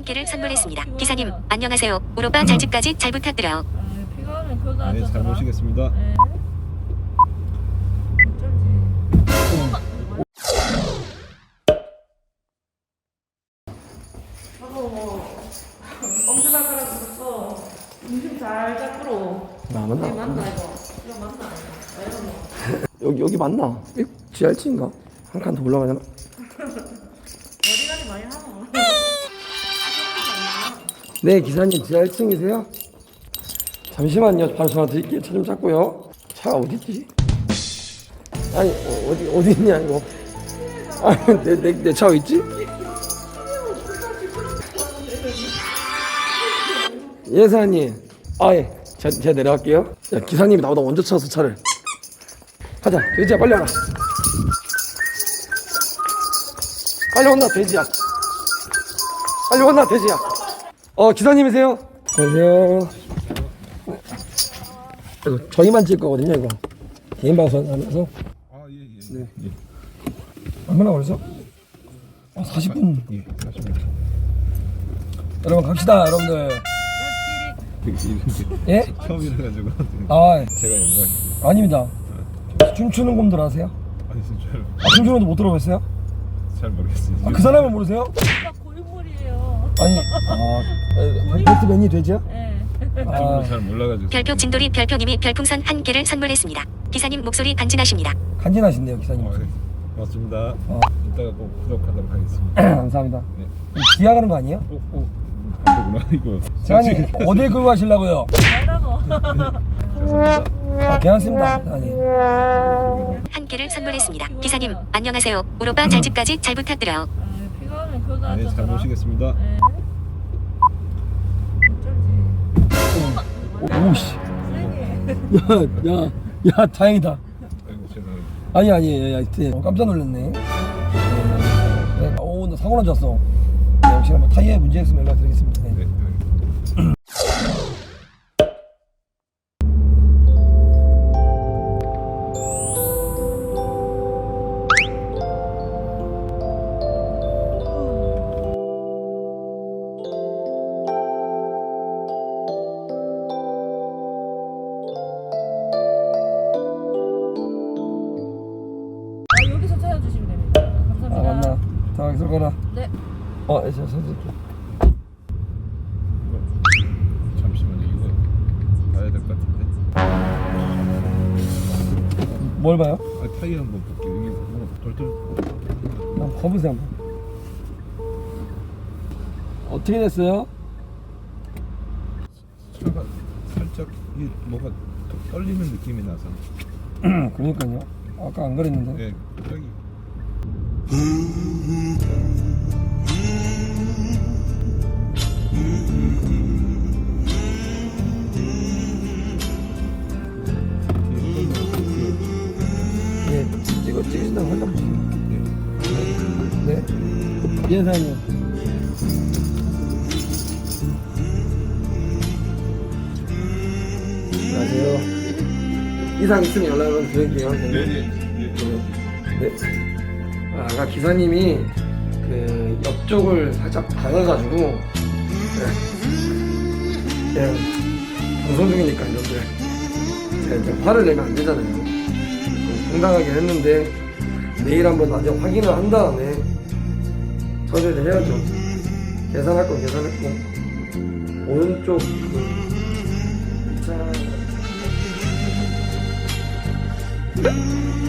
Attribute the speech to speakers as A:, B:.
A: 끼를 선물했습니다. 기사님 안녕하세요. 오로바 잘 집까지 잘 부탁드려요.
B: 피가는 그거
C: 네, 잘 모시겠습니다.
B: 네. 엄지발가락 붙었어. 중심 잘 잡으러.
D: 나 맞나?
B: 이거 맞나 이거? 이거 맞나? 이거 뭐?
D: 여기 맞나? GRC인가? 한 칸 더 올라가잖아.
B: 어디까지 많이 하노?
D: 네, 기사님 GRC이세요? 잠시만요. 바로 전화 드릴게요. 차 좀 찾고요. 차가 어디 있지? 아니 어디 있냐 이거? 아니 내 차 어디 있지? 예 사장님. 예. 제가 내려갈게요. 야, 기사님이 나보다 먼저 찾아서 차를. 가자. 돼지야 빨리 와라. 빨리 온나 돼지야. 빨리 온나 돼지야. 기사님이세요? 안녕하세요. 이거 저희만 찍을 거거든요 이거. 개인 방송 하면서.
C: 예.
D: 네. 얼마나 걸렸어? 40분.
C: 예, 40분.
D: 여러분 갑시다 여러분들. 예?
C: 처음이라 가지고
D: 아
C: 제가 영광입니다.
D: 아닙니다. 춤추는 곰들 아세요?
C: 아니 진짜로
D: 춤추는 곰들 못 들어보셨어요?
C: 잘 모르겠어요.
D: 그 사람을 모르세요?
B: 진짜 고인물이에요.
D: 아니 배트맨이 되죠?
B: 네.
C: 저도 잘 몰라가지고.
A: 별표 진돌이 별표님이 별풍선 한 개를 선물했습니다. 기사님 목소리 간지나십니다.
D: 간지나신데요 기사님.
C: 네. 고맙습니다.
D: 어.
C: 이따가 꼭 구독하도록 하겠습니다.
D: 감사합니다.
C: 네.
D: 기아 가는 거 아니에요?
C: 안되구나 이거.
D: 사장님 어딜 끌고 가시려고요?
B: 잘하고.
D: 괜찮습니다. 아니.
A: 한 개를 선물했습니다. 기사님 안녕하세요. 오로바 잘 집까지 잘 부탁드려요.
B: 피가는 그거
C: 네, 잘 모시겠습니다.
B: 네. 어쩔지.
D: 오씨.
B: 세게.
D: 야 다행이다.
C: 아이고 죄송합니다.
D: 아니 깜짝 놀랐네. 나 사고 난 줄 알았어. 네, 혹시나 뭐 타이어에 문제 있으면 연락드리겠습니다. 네.
C: 네.
B: 여기서 찾아주시면 됩니다. 감사합니다.
D: 맞나? 자 여기서 가라.
B: 네.
D: 저 선생님.
C: 잠시만요. 이거 봐야 될 것 같은데.
D: 뭘 봐요?
C: 타이어 한번 볼게요. 여기 뭐 덜덜.
D: 한번 거보세요 한번. 어떻게 됐어요?
C: 차가 살짝 뭐가 떨리는 느낌이 나서.
D: 그러니까요. 아까 안 그랬는데.
C: 네, 저기.
D: 예, 찍으신다고 한번 보세요. 네. 예, 사장님. 안녕하세요. 이상 있으면 연락을 드릴게요. 네. 아까 기사님이 그 옆쪽을 살짝 박아가지고 그냥 방송 중이니까 여러분들 제가 이제 화를 내면 안 되잖아요. 좀 황당하긴 했는데 내일 한번 나중에 확인을 한 다음에 처리를 해야죠. 계산할 건 계산했고 오른쪽 그 차